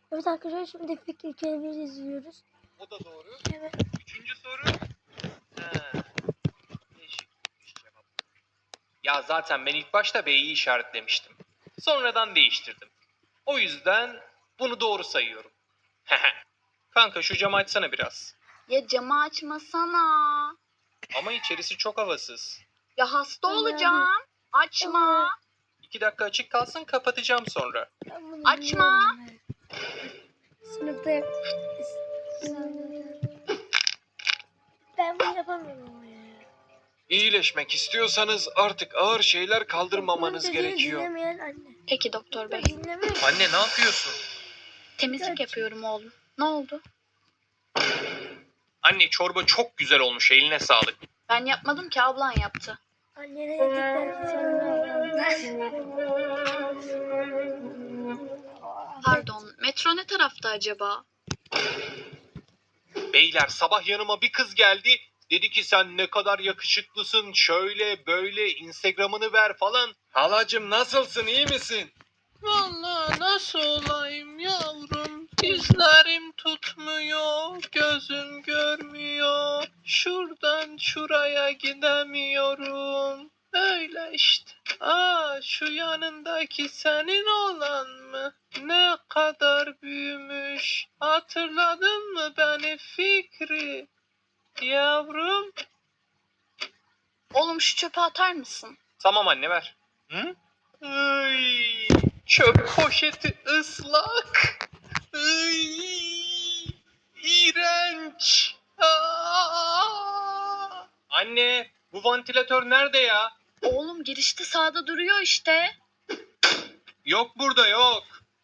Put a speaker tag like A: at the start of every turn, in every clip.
A: Evet arkadaşlar, şimdi Fikri Kerim'i izliyoruz.
B: O da doğru.
A: Evet.
B: Üçüncü soru. Değişikmiş cevap. Ya zaten ben ilk başta B'yi işaretlemiştim. Sonradan değiştirdim. O yüzden bunu doğru sayıyorum. Kanka şu camı açsana biraz.
C: Ya camı açmasana.
B: Ama içerisi çok havasız.
C: Ya hasta
A: Tamam.
C: olacağım. Açma.
A: Tamam.
B: 2 dakika açık kalsın, kapatacağım sonra.
A: Ben bunu
C: Açma.
A: biliyorum ben. Sınıfta ben bunu yapamıyorum ama ya.
B: İyileşmek istiyorsanız artık ağır şeyler kaldırmamanız
A: Bunun dediğini
B: gerekiyor.
A: dinlemeyen anne.
C: Peki doktor bey.
A: Dinlemeyen.
B: Anne ne yapıyorsun?
C: Temizlik yapıyorum oğlum. Ne oldu?
B: Anne çorba çok güzel olmuş, eline sağlık.
C: Ben yapmadım ki, ablan yaptı.
A: Annene yedikten sonra
C: Pardon, metro ne tarafta acaba?
B: Beyler sabah yanıma bir kız geldi. Dedi ki sen ne kadar yakışıklısın, şöyle böyle Instagram'ını ver falan. Halacım nasılsın, iyi misin?
D: Vallahi nasıl olayım yavrum? Dizlerim tutmuyor, gözüm görmüyor. Şuradan şuraya gidemiyorum. Öyle işte. Şu yanındaki senin olan mı? Ne kadar büyümüş. Hatırladın mı beni Fikri? Yavrum.
C: Oğlum şu çöpe atar mısın?
B: Tamam anne ver. Hı?
D: Ay, çöp poşeti ıslak. Ay, iğrenç.
B: Anne bu vantilatör nerede ya?
C: Oğlum girişte sağda duruyor işte.
B: Yok burada yok.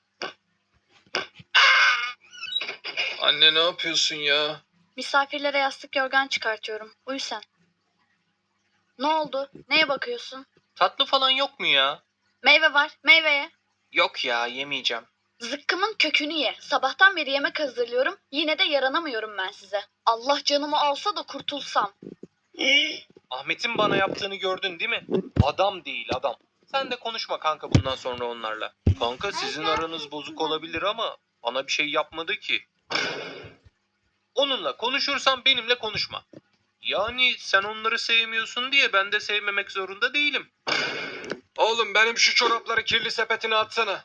D: Anne ne yapıyorsun ya?
C: Misafirlere yastık yorgan çıkartıyorum. Uyu sen. Ne oldu? Neye bakıyorsun?
B: Tatlı falan yok mu ya?
C: Meyve var. Meyveye.
B: Yok ya, yemeyeceğim.
C: Zıkkımın kökünü ye. Sabahtan beri yemek hazırlıyorum. Yine de yaranamıyorum ben size. Allah canımı alsa da kurtulsam.
B: Ahmet'in bana yaptığını gördün değil mi? Adam değil adam. Sen de konuşma kanka bundan sonra onlarla. Kanka sizin aranız bozuk olabilir ama bana bir şey yapmadı ki. Onunla konuşursan benimle konuşma. Yani sen onları sevmiyorsun diye ben de sevmemek zorunda değilim. Oğlum benim şu çorapları kirli sepetine atsana.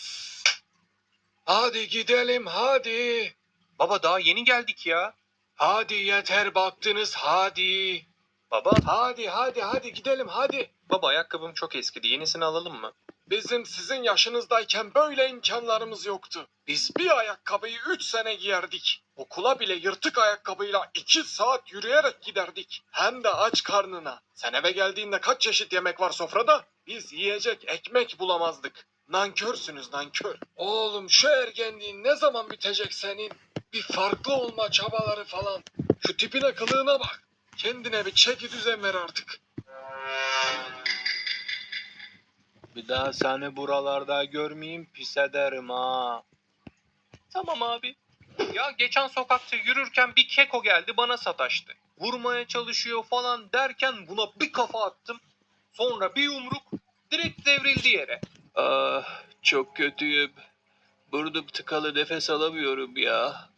B: Hadi gidelim hadi. Baba daha yeni geldik ya. Hadi yeter baktınız hadi. Baba. Hadi gidelim hadi. Baba ayakkabım çok eskidi, yenisini alalım mı? Bizim sizin yaşınızdayken böyle imkanlarımız yoktu. Biz bir ayakkabıyı 3 sene giyerdik. Okula bile yırtık ayakkabıyla 2 saat yürüyerek giderdik. Hem de aç karnına. Sen eve geldiğinde kaç çeşit yemek var sofrada? Biz yiyecek ekmek bulamazdık. Nankörsünüz nankör. Oğlum şu ergenliğin ne zaman bitecek senin? Bir farklı olma çabaları falan. Şu tipine kılığına bak. Kendine bir çeki düzen ver artık. Bir daha seni buralarda görmeyeyim pis ederim ha. Tamam abi. Ya geçen sokakta yürürken bir keko geldi bana sataştı. Vurmaya çalışıyor falan derken buna bir kafa attım. Sonra bir yumruk direkt devrildi yere.
D: Ah, çok kötüyüm. Burnum tıkalı, nefes alamıyorum ya.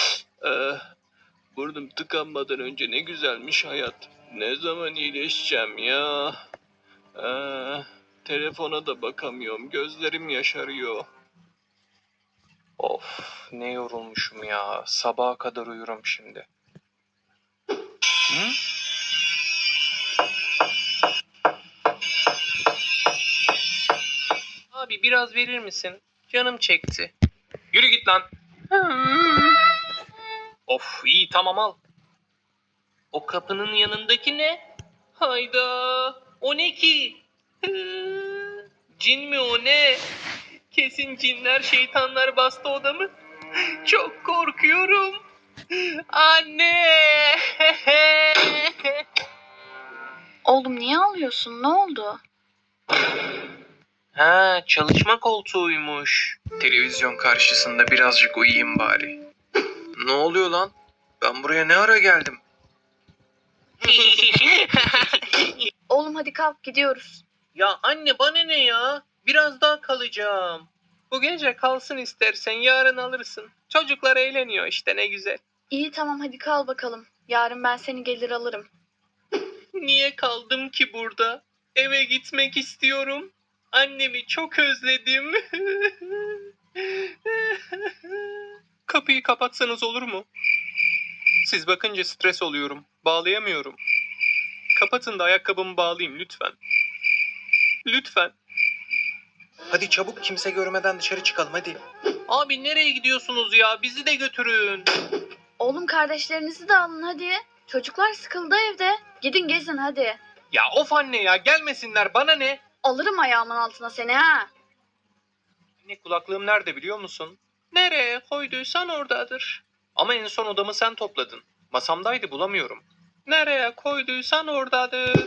D: Burnum tıkanmadan önce ne güzelmiş hayat. Ne zaman iyileşeceğim ya? Telefona da bakamıyorum. Gözlerim yaşarıyor.
B: Of ne yorulmuşum ya. Sabaha kadar uyurum şimdi. Hı? Abi biraz verir misin? Canım çekti. Yürü git lan. Of iyi tamam al. O kapının yanındaki ne? Hayda. O ne ki? Cin mi o ne? Kesin cinler şeytanlar bastı odamı. Çok korkuyorum. Anne.
C: Oğlum niye ağlıyorsun? Ne oldu?
B: Ha, çalışma koltuğuymuş. Televizyon karşısında birazcık uyuyayım bari. Ne oluyor lan? Ben buraya ne ara geldim?
C: Oğlum hadi kalk gidiyoruz.
B: Ya anne bana ne ya? Biraz daha kalacağım. Bu gece kalsın istersen, yarın alırsın. Çocuklar eğleniyor işte, ne güzel.
C: İyi tamam hadi kal bakalım. Yarın ben seni gelir alırım.
B: Niye kaldım ki burada? Eve gitmek istiyorum. Annemi çok özledim. Kapıyı kapatsanız olur mu? Siz bakınca stres oluyorum. Bağlayamıyorum. Kapatın da ayakkabımı bağlayayım lütfen. Lütfen. Hadi çabuk, kimse görmeden dışarı çıkalım hadi. Abi nereye gidiyorsunuz ya? Bizi de götürün.
C: Oğlum kardeşlerinizi de alın hadi. Çocuklar sıkıldı evde. Gidin gezin hadi.
B: Ya of anne ya, gelmesinler, bana ne?
C: Alırım ayağımın altına seni ha.
B: Anne, kulaklığım nerede biliyor musun? Nereye koyduysan oradadır. Ama en son odamı sen topladın. Masamdaydı, bulamıyorum. Nereye koyduysan oradadır.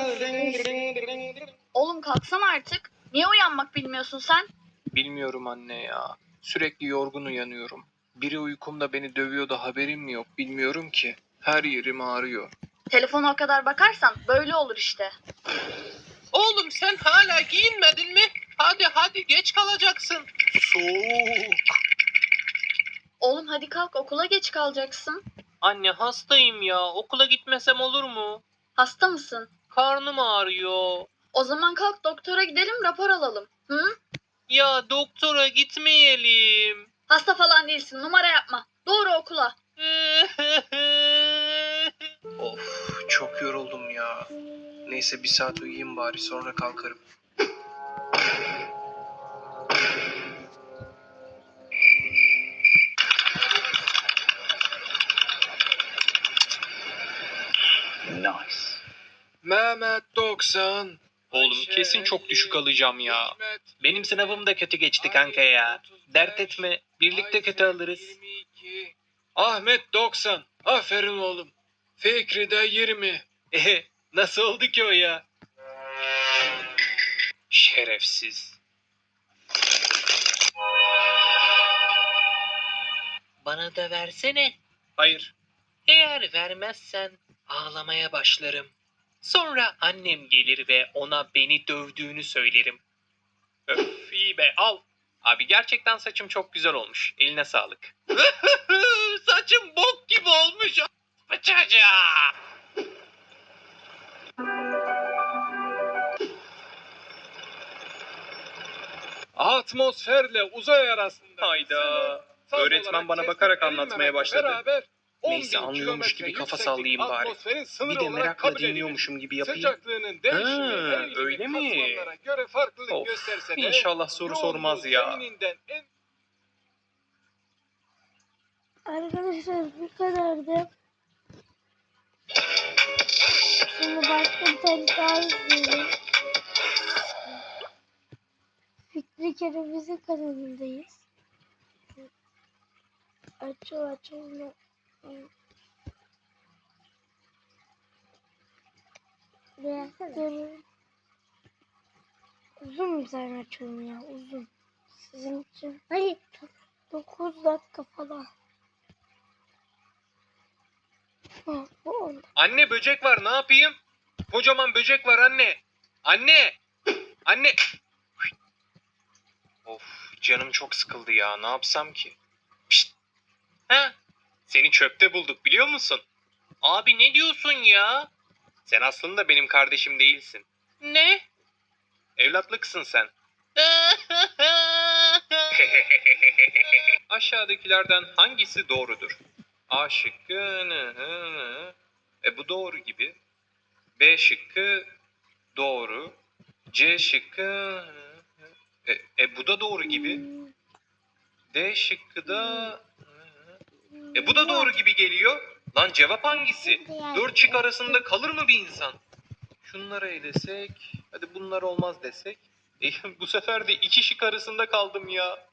C: Oğlum kalksana artık. Niye uyanmak bilmiyorsun sen?
B: Bilmiyorum anne ya. Sürekli yorgun uyanıyorum. Biri uykumda beni dövüyor da haberim mi yok, bilmiyorum ki. Her yerim ağrıyor.
C: Telefona o kadar bakarsan böyle olur işte.
B: Oğlum sen hala giyinmedin mi? Hadi geç kalacaksın. Soğuk.
C: Oğlum hadi kalk okula geç kalacaksın.
B: Anne hastayım ya. Okula gitmesem olur mu?
C: Hasta mısın?
B: Karnım ağrıyor.
C: O zaman kalk doktora gidelim rapor alalım. Hı?
B: Ya doktora gitmeyelim.
C: Hasta falan değilsin numara yapma. Doğru okula.
B: Of, çok yoruldum ya. Neyse, bir saat uyuyayım bari, sonra kalkarım.
D: Nice.
B: Mehmet 90. Oğlum kesin çok düşük alacağım ya. Benim sınavım da kötü geçti kanka ya. Dert etme, birlikte kötü alırız. Ahmet 90. Aferin oğlum. Fikri de 20. Nasıl oldu ki o ya? Şerefsiz. Bana da versene. Hayır. Eğer vermezsen ağlamaya başlarım. Sonra annem gelir ve ona beni dövdüğünü söylerim. Öf, iyi be, al. Abi gerçekten saçım çok güzel olmuş. Eline sağlık. Saçım bok gibi olmuş. Bıçaca. Atmosferle uzay arasında. Hayda. Öğretmen bana bakarak anlatmaya başladı. Neyse, anlıyormuş gibi kafa sallayayım bari. Bir de merakla dinliyormuşum gibi yapayım. Öyle mi? Of, İnşallah soru sormaz ya.
A: Arkadaşlar bu kadardı. Şimdi başka bir tane daha izleyelim. Fikri Kereviz'in kanalındayız. Açıl. Reaktörü uzun bir tane açıyorum ya, uzun. Sizin için. Hayır. 9 dakika falan. Ha, bu 10.
B: Anne, böcek var, ne yapayım? Kocaman böcek var anne. Anne. Anne. Of, canım çok sıkıldı ya, ne yapsam ki? Pişt. Ha? Seni çöpte bulduk biliyor musun? Abi ne diyorsun ya? Sen aslında benim kardeşim değilsin. Ne? Evlatlıksın sen. Aşağıdakilerden hangisi doğrudur? A şıkkı bu doğru gibi. B şıkkı doğru. C şıkkı bu da doğru gibi. D şıkkı da bu da doğru gibi geliyor. Lan cevap hangisi? 4 şık arasında kalır mı bir insan? Şunları elesek, hadi bunlar olmaz desek. Bu sefer de 2 şık arasında kaldım ya.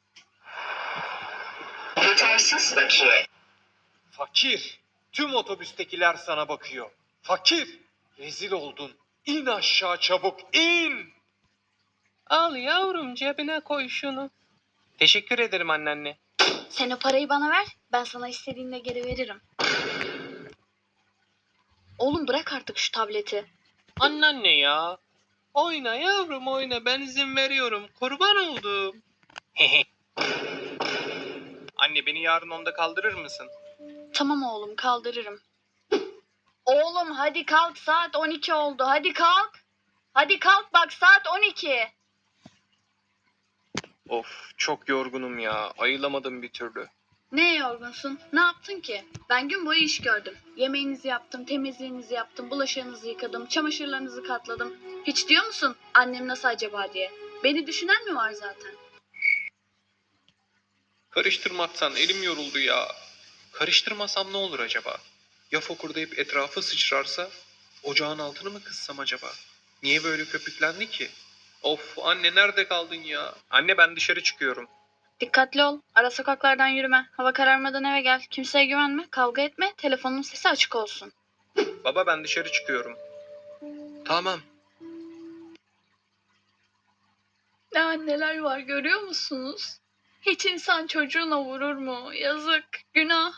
E: Yetersiz bakiye.
B: Fakir, tüm otobüstekiler sana bakıyor. Fakir, rezil oldun. İn aşağı çabuk, in! Al yavrum, cebine koy şunu. Teşekkür ederim anneanne.
C: Sen o parayı bana ver. Ben sana istediğinde geri veririm. Oğlum bırak artık şu tableti.
B: Anneanne ya. Oyna yavrum oyna, ben izin veriyorum. Kurban oldum. Anne beni yarın 10'da kaldırır mısın?
C: Tamam oğlum, kaldırırım. Oğlum hadi kalk, saat 12 oldu. Hadi kalk. Hadi kalk, bak saat 12.
B: Of çok yorgunum ya. Ayılamadım bir türlü.
C: Ne yorgunsun? Ne yaptın ki? Ben gün boyu iş gördüm. Yemeğinizi yaptım, temizliğinizi yaptım, bulaşığınızı yıkadım, çamaşırlarınızı katladım. Hiç diyor musun annem nasıl acaba diye? Beni düşünen mi var zaten?
B: Karıştırmaktan elim yoruldu ya. Karıştırmasam ne olur acaba? Ya fokurdayıp etrafı sıçrarsa? Ocağın altını mı kıssam acaba? Niye böyle köpüklendi ki? Of anne nerede kaldın ya? Anne ben dışarı çıkıyorum.
C: Dikkatli ol. Ara sokaklardan yürüme. Hava kararmadan eve gel. Kimseye güvenme, kavga etme. Telefonun sesi açık olsun.
B: Baba ben dışarı çıkıyorum. Tamam.
C: Ne anneler var görüyor musunuz? Hiç insan çocuğuna vurur mu? Yazık, günah.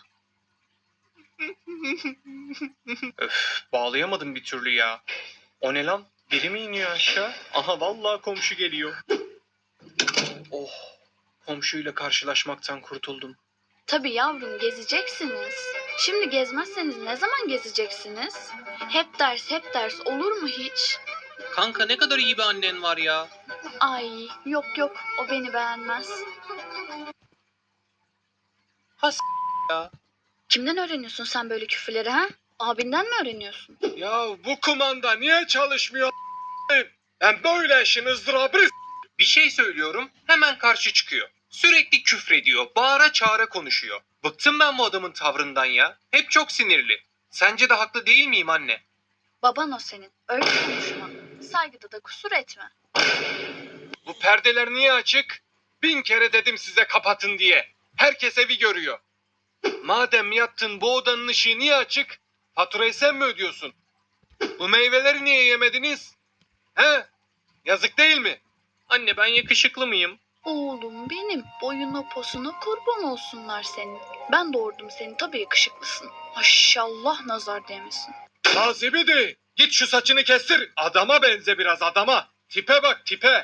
B: Öf bağlayamadım bir türlü ya. O ne lan? Biri mi iniyor aşağı? Aha vallahi komşu geliyor. Oh komşuyla karşılaşmaktan kurtuldum.
C: Tabii yavrum, gezeceksiniz. Şimdi gezmezseniz ne zaman gezeceksiniz? Hep ders olur mu hiç?
B: Kanka ne kadar iyi bir annen var ya.
C: Ay yok o beni beğenmez.
B: Ya.
C: Kimden öğreniyorsun sen böyle küfürleri ha? Abinden mi öğreniyorsun?
B: Ya bu kumanda niye çalışmıyor? Ben böyle işin ızdırabı. Bir şey söylüyorum hemen karşı çıkıyor. Sürekli küfrediyor, bağıra çağıra konuşuyor. Bıktım ben bu adamın tavrından ya. Hep çok sinirli. Sence de haklı değil miyim anne?
C: Baban o senin. Öyle konuşma. Saygıda da kusur etme.
B: Bu perdeler niye açık? 1000 kere dedim size kapatın diye. Herkes evi görüyor. Madem yattın bu odanın ışığı niye açık? Faturayı sen mi ödüyorsun? Bu meyveleri niye yemediniz? He? Yazık değil mi? Anne ben yakışıklı mıyım?
C: Oğlum benim, boyuna posuna kurban olsunlar senin. Ben doğurdum seni, tabii yakışıklısın. Maşallah nazar değmesin.
B: Nazibidi git şu saçını kestir. Adama benze biraz adama. Tipe bak tipe.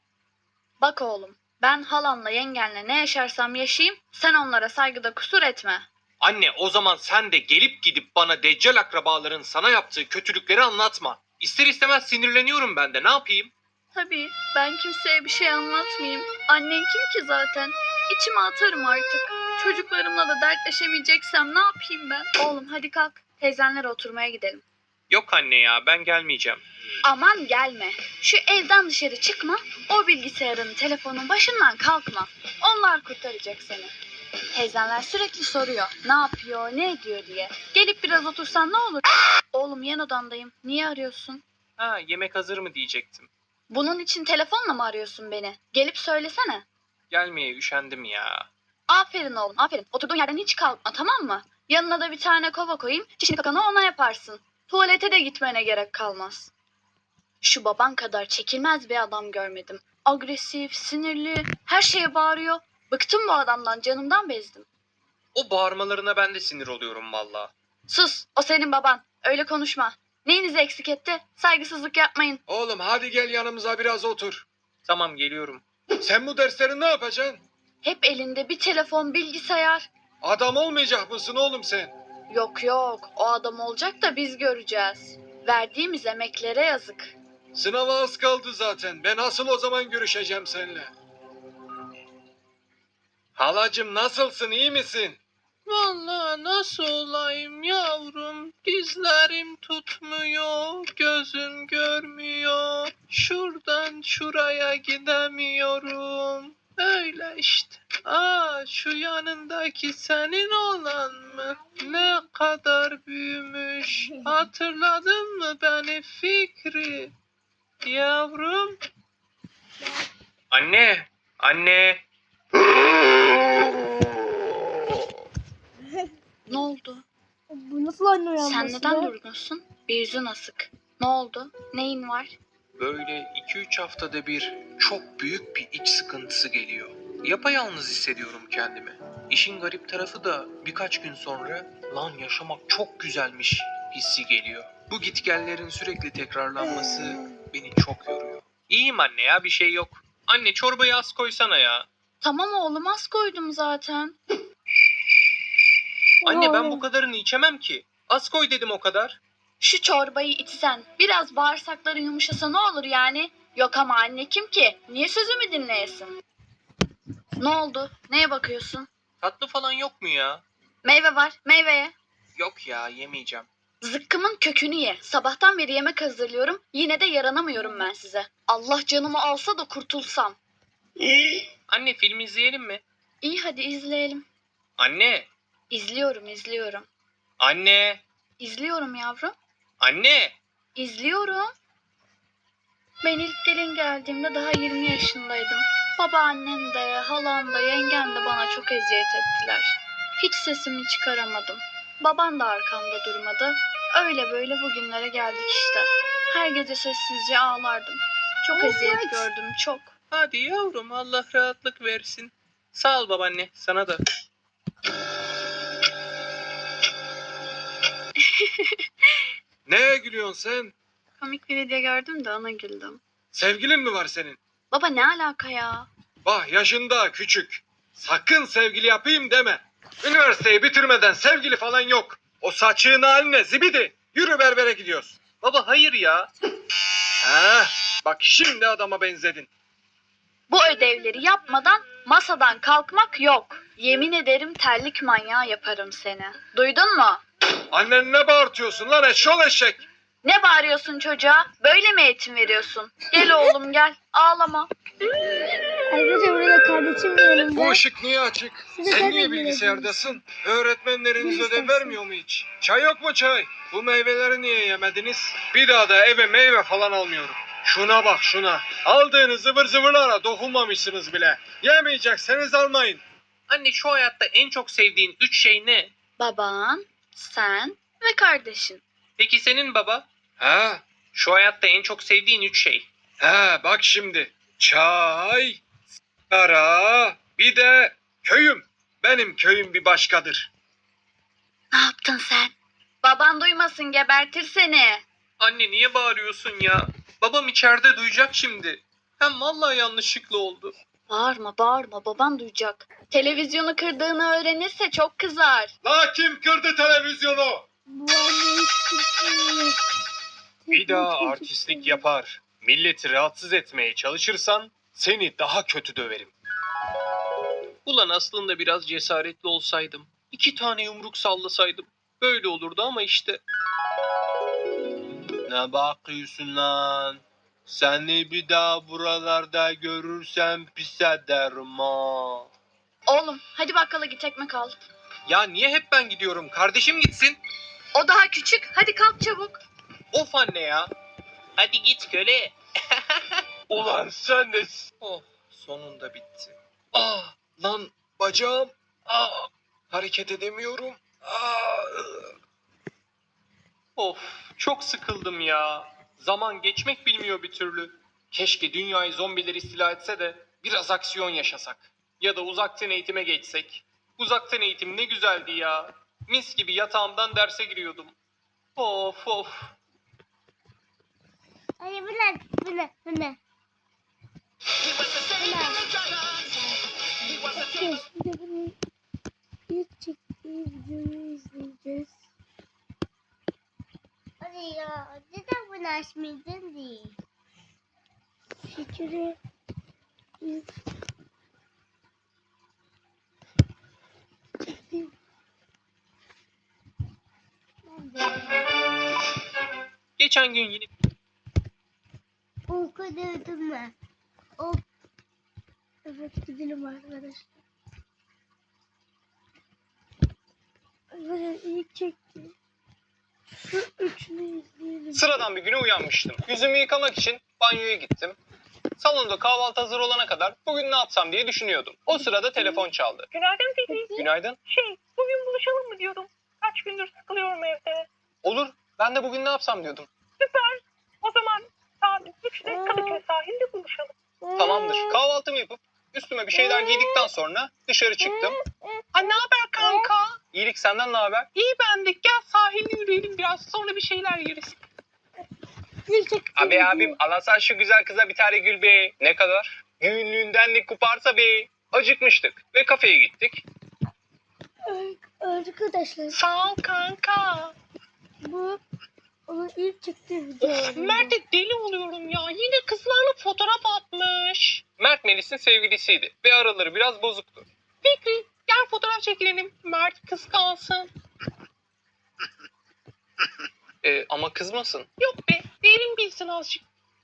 C: Bak oğlum, ben halanla yengenle ne yaşarsam yaşayayım, sen onlara saygıda kusur etme.
B: Anne o zaman sen de gelip gidip bana deccal akrabaların sana yaptığı kötülükleri anlatma. İster istemez sinirleniyorum ben de ne yapayım?
C: Tabii, ben kimseye bir şey anlatmayayım. Annen kim ki zaten? İçime atarım artık. Çocuklarımla da dertleşemeyeceksem ne yapayım ben? Oğlum hadi kalk, teyzenlere oturmaya gidelim.
B: Yok anne ya ben gelmeyeceğim.
C: Aman gelme. Şu evden dışarı çıkma. O bilgisayarın, telefonun başından kalkma. Onlar kurtaracak seni. Teyzenler sürekli soruyor. Ne yapıyor, ne ediyor diye. Gelip biraz otursan ne olur? Oğlum yan odandayım. Niye arıyorsun?
B: Ha yemek hazır mı diyecektim.
C: Bunun için telefonla mı arıyorsun beni? Gelip söylesene.
B: Gelmeye üşendim ya.
C: Aferin oğlum, aferin. Oturduğun yerden hiç kalkma, tamam mı? Yanına da bir tane kova koyayım. Çişini kakanı ona yaparsın. Tuvalete de gitmene gerek kalmaz. Şu baban kadar çekilmez bir adam görmedim. Agresif, sinirli, her şeye bağırıyor. Bıktım bu adamdan, canımdan bezdim.
B: O bağırmalarına ben de sinir oluyorum valla.
C: Sus, o senin baban. Öyle konuşma. Neyinizi eksik etti? Saygısızlık yapmayın.
B: Oğlum hadi gel yanımıza biraz otur. Tamam geliyorum. Sen bu dersleri ne yapacaksın?
C: Hep elinde bir telefon, bilgisayar.
B: Adam olmayacak mısın oğlum sen?
C: Yok, o adam olacak da biz göreceğiz. Verdiğimiz emeklere yazık.
B: Sınava az kaldı zaten. Ben asıl o zaman görüşeceğim seninle. Halacım nasılsın iyi misin?
D: Vallahi nasıl olayım yavrum? Dizlerim tutmuyor, gözüm görmüyor. Şuradan şuraya gidemiyorum. Öyle işte. Şu yanındaki senin olan mı? Ne kadar büyümüş. Hatırladın mı beni Fikri? Yavrum.
B: Anne.
C: Ne oldu?
A: Bu nasıl anne uyanması?
C: Sen neden durgunsun? Bir yüzün asık. Ne oldu? Neyin var?
B: Böyle 2-3 haftada bir çok büyük bir iç sıkıntısı geliyor. Yapayalnız hissediyorum kendimi. İşin garip tarafı da birkaç gün sonra lan yaşamak çok güzelmiş hissi geliyor. Bu gitgellerin sürekli tekrarlanması beni çok yoruyor. İyiyim anne ya bir şey yok. Anne çorbayı az koysana ya.
C: Tamam oğlum, az koydum zaten.
B: Anne ben bu kadarını içemem ki. Az koy dedim o kadar.
C: Şu çorbayı içsen, biraz bağırsakların yumuşasa ne olur yani? Yok ama anne kim ki? Niye sözümü dinleyesin? Ne oldu? Neye bakıyorsun?
B: Tatlı falan yok mu ya?
C: Meyve var, meyveye.
B: Yok ya yemeyeceğim.
C: Zıkkımın kökünü ye. Sabahtan beri yemek hazırlıyorum. Yine de yaranamıyorum ben size. Allah canımı alsa da kurtulsam.
B: Anne film izleyelim mi?
C: İyi hadi izleyelim.
B: Anne.
C: İzliyorum.
B: Anne.
C: İzliyorum yavrum.
B: Anne.
C: İzliyorum. Ben ilk gelin geldiğimde daha 20 yaşındaydım. Babaannem de, halam da, yengem de bana çok eziyet ettiler. Hiç sesimi çıkaramadım. Baban da arkamda durmadı. Öyle böyle bugünlere geldik işte. Her gece sessizce ağlardım. Çok eziyet gördüm, çok.
B: Hadi yavrum Allah rahatlık versin. Sağ ol babaanne sana da. Neye gülüyorsun sen?
C: Komik bir video gördüm de ona güldüm.
B: Sevgilin mi var senin?
C: Baba ne alaka ya?
B: Bah yaşında küçük. Sakın sevgili yapayım deme. Üniversiteyi bitirmeden sevgili falan yok. O saçığın haline zibidi. Yürü berbere gidiyoruz. Baba hayır ya. Ha, bak şimdi adama benzedin.
C: Bu ödevleri yapmadan masadan kalkmak yok. Yemin ederim terlik manyağı yaparım seni. Duydun mu?
B: Annen ne bağırtıyorsun lan eşşol eşek.
C: Ne bağırıyorsun çocuğa? Böyle mi eğitim veriyorsun? Gel oğlum gel. Ağlama.
A: Arkadaşlar burada kardeşim de yanımda.
B: Bu ışık niye açık?
A: Size
B: Sen
A: ben
B: niye
A: de
B: bilgisayardasın? Öğretmenleriniz
A: Ne
B: ödev
A: istersin?
B: vermiyor mu hiç? Çay yok mu çay? Bu meyveleri niye yemediniz? Bir daha da eve meyve falan almıyorum. Şuna bak şuna. Aldığınız zıvır zıvırlara dokunmamışsınız bile. Yemeyecekseniz almayın. Anne şu hayatta en çok sevdiğin 3 şey ne?
C: Baban, sen ve kardeşin.
B: Peki senin baba? Ha? Şu hayatta en çok sevdiğin 3 şey. Ha bak şimdi. Çay, sigara, bir de köyüm. Benim köyüm bir başkadır.
C: Ne yaptın sen? Baban duymasın gebertir seni.
B: Anne niye bağırıyorsun ya? Babam içeride duyacak şimdi. Hem vallahi yanlışlıkla oldu.
C: Bağırma baban duyacak. Televizyonu kırdığını öğrenirse çok kızar.
B: La kim kırdı televizyonu?
A: Bu anne hiç kimse.
B: Bir daha artistlik yapar, milleti rahatsız etmeye çalışırsan seni daha kötü döverim. Ulan aslında biraz cesaretli olsaydım, 2 tane yumruk sallasaydım böyle olurdu ama işte. Ne bakıyorsun lan? Seni bir daha buralarda görürsem pis ederim ha.
C: Oğlum hadi bakkala git ekmek al.
B: Ya niye hep ben gidiyorum? Kardeşim gitsin.
C: O daha küçük. Hadi kalk çabuk.
B: Of anne ya. Hadi git köle. Ulan sen de... Oh sonunda bitti. Ah lan bacağım. Ah hareket edemiyorum. Ah. Of çok sıkıldım ya. Zaman geçmek bilmiyor bir türlü. Keşke dünyayı zombiler istila etse de biraz aksiyon yaşasak. Ya da uzaktan eğitime geçsek. Uzaktan eğitim ne güzeldi ya. Mis gibi yatağımdan derse giriyordum. Of of.
A: Hayır bu ne? Şimdi bunu ilk çektiği videoyu izleyeceğiz. Hadi ya neden bunu açmaydın değil? Fikri
B: Geçen gün yine
A: okudum mu? Evet gidelim arkadaşlar. Böyle ilk çekti. Şu üçünü izleyelim.
B: sıradan bir güne uyanmıştım. Yüzümü yıkamak için banyoya gittim. Salonda kahvaltı hazır olana kadar bugün ne yapsam diye düşünüyordum. O sırada telefon çaldı.
F: Günaydın Fikri.
B: Günaydın.
F: Bugün buluşalım mı diyordum. Kaç gündür sıkılıyorum evde.
B: Olur. Ben de bugün ne yapsam diyordum.
F: Süper. O zaman saat 3'te Kadıköy sahilde buluşalım.
B: Tamamdır. Kahvaltımı yapıp üstüme bir şeyler giydikten sonra dışarı çıktım.
F: Ha ne haber kanka?
B: İyilik senden ne haber?
F: İyi bendik. Gel sahilde yürüyelim biraz sonra bir şeyler yeriz.
B: Abi abim alasan şu güzel kıza bir tane gül be. Ne kadar? Günlüğünden de kuparsa be. Acıkmıştık ve kafeye gittik.
A: Arkadaşlar
F: Sağ ol kanka.
A: bu onun ilk çıktığı video.
F: Mert'e deli oluyorum ya. Yine kızlarla fotoğraf atmış.
B: Mert Melis'in sevgilisiydi ve araları biraz bozuktu.
F: Fikri gel fotoğraf çekilelim. Mert kıskansın.
B: Ama kızmasın.
F: Yok be derin bilsin azıcık.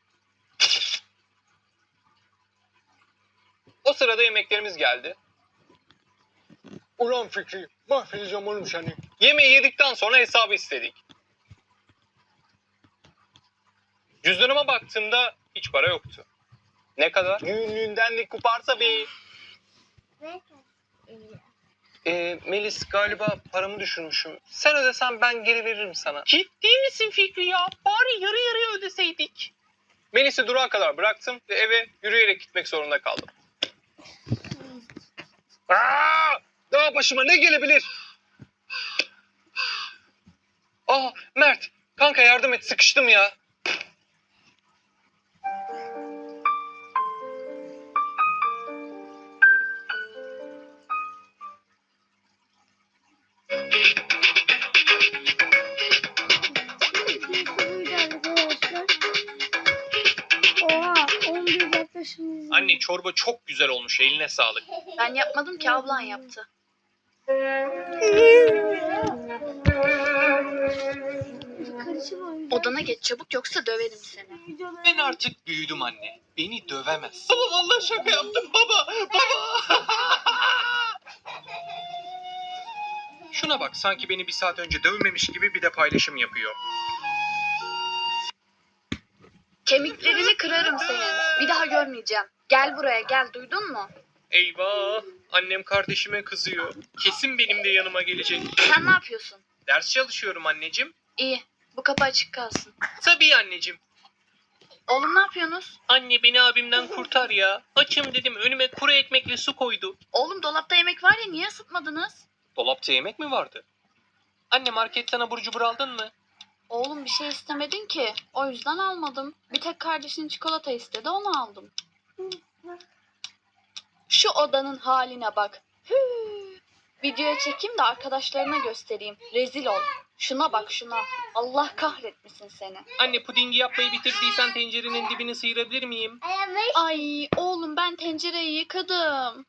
B: O sırada yemeklerimiz geldi. Ulan Fikri, mahvedeceğim oğlum seni. Yemeği yedikten sonra hesabı istedik. Cüzdanıma baktığımda hiç para yoktu. Ne kadar? Düğünlüğünden ne kuparsa bir. Melis galiba paramı düşürmüşüm. Sen ödesen ben geri veririm sana.
F: Ciddi misin Fikri ya? Bari yarı yarıya ödeseydik.
B: Melis'i durağa kadar bıraktım ve eve yürüyerek gitmek zorunda kaldım. Daha başıma ne gelebilir? Mert, kanka yardım et, sıkıştım ya.
A: Arkadaşlar. Oha 11 yaklaşımız.
B: Anne çorba çok güzel olmuş, eline sağlık.
C: Ben yapmadım ki, ablan yaptı. Odana geç çabuk yoksa döverim seni.
B: Ben artık büyüdüm anne. Beni dövemez. Baba vallahi şaka yaptım baba. Baba. Şuna bak, sanki beni bir saat önce dövmemiş gibi bir de paylaşım yapıyor.
C: Kemiklerini kırarım senin. Bir daha görmeyeceğim. Gel buraya gel, duydun mu?
B: Eyvah! Annem kardeşime kızıyor. Kesin benim de yanıma gelecek.
C: Sen ne yapıyorsun?
B: Ders çalışıyorum anneciğim.
C: İyi, bu kapı açık kalsın.
B: Tabii anneciğim.
C: Oğlum ne yapıyorsunuz?
B: Anne beni abimden kurtar ya. Açım dedim, önüme kuru ekmekle su koydu.
C: Oğlum dolapta yemek var ya, niye ısıtmadınız?
B: Dolapta yemek mi vardı? Anne marketten abur cubur aldın mı?
C: Oğlum bir şey istemedin ki. O yüzden almadım. Bir tek kardeşin çikolata istedi, onu aldım. Şu odanın haline bak. Hüüü. Videoya çekeyim de arkadaşlarına göstereyim. Rezil ol. Şuna bak şuna. Allah kahretmesin seni.
B: Anne pudingi yapmayı bitirdiysen tencerenin dibini sıyırabilir miyim?
C: Ay oğlum ben tencereyi yıkadım.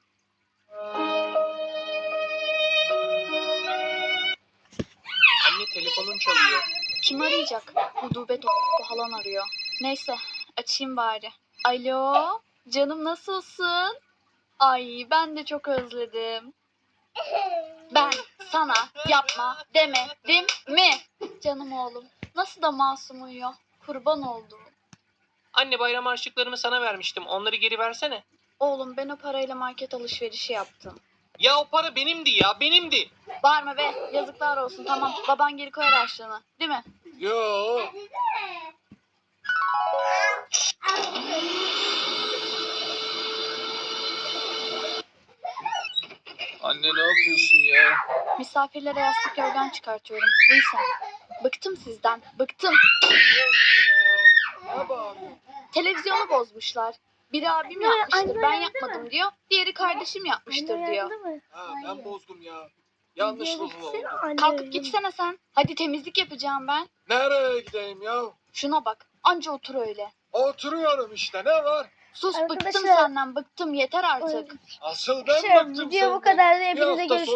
B: Anne telefonun çalıyor.
C: Kim arayacak? Gudubet falan arıyor. Neyse açayım bari. Alo canım nasılsın? Ay ben de çok özledim. Ben sana yapma demedim mi? Canım oğlum nasıl da masum uyuyor. Kurban oldum.
B: Anne bayram harçlıklarımı sana vermiştim. Onları geri versene.
C: Oğlum ben o parayla market alışverişi yaptım.
B: Ya o para benimdi ya, benimdi.
C: Bağırma be yazıklar olsun tamam. Baban geri koyar harçlığını değil mi?
B: Yo.
D: Anne ne yapıyorsun ya?
C: Misafirlere yastık yorgan çıkartıyorum. Uyu sen. Bıktım sizden. Bıktım. Televizyonu bozmuşlar. Biri abim
A: Anne,
C: yapmıştır.
A: anne
C: Ben
A: uyandı
C: yapmadım
A: mı?
C: diyor. Diğeri kardeşim yapmıştır diyor.
D: Ben bozdum ya.
C: Kalkıp gitsene sen. Hadi temizlik yapacağım ben.
D: Nereye gideyim ya?
C: Şuna bak. Anca otur öyle.
D: Oturuyorum işte, ne var?
C: Sus bıktım
A: Arkadaşlar-
C: senden. Bıktım yeter artık.
D: Asıl ben
A: Arkadaşlar
D: baktım
A: video bu
D: senden.
A: kadar.
D: Bir
A: Hepinize
D: hafta
A: görüşürüz.